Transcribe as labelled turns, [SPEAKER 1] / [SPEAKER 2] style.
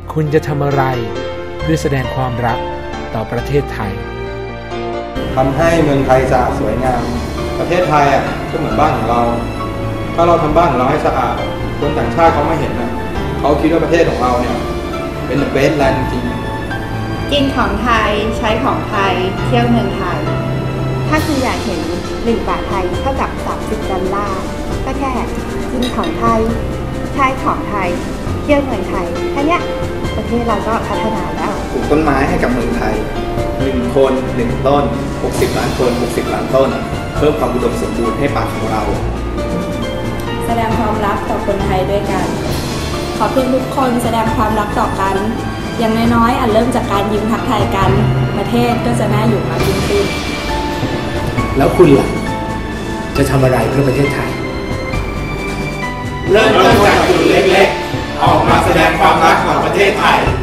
[SPEAKER 1] คุณจะทำอะไรเพื่อแสดงความรักต่อประเทศไทย
[SPEAKER 2] ทำให้เมืองไทยสะอาดสวยงามประเทศไทยก็เหมือนบ้านของเราถ้าเราทำบ้านของเราให้สะอาดคนต่างชาติเขาไม่เห็นเขาคิดว่าประเทศของเราเนี่ยเป็นเบสแลนด์จริง
[SPEAKER 3] กินของไทยใช้ของไทยเที่ยวเมืองไทยถ้าคุณอยากเห็น1 บาทไทยเท่ากับ30 ดอลลาร์ก็แค่กินของไทยใช้ของไทยเที่ยวเมืองไทยแค่นี้ประเทศเราก็พัฒนาแล้ว
[SPEAKER 4] ปลูกต้นไม้ให้กับเมืองไทย1 คน 1 ต้น60 ล้านคน60 ล้านต้นเพิ่มความอุดมสมบูรณ์ให้ป่าของเรา
[SPEAKER 5] แสดงความรักต่อคนไทยด้วยกันขอเพียงทุกคนแสดงความรักต่อกันอย่างน้อยๆเริ่มจากการยิ้มทักทายกันประเทศก็จะน่าอยู่มากยิ่งขึ้น
[SPEAKER 1] แล้วคุณล่ะจะทำอะไรเพื่อประเทศไทย
[SPEAKER 6] เริ่มต้นจากจุดเล็กๆออกมาแสดงความรักต่อประเทศไทย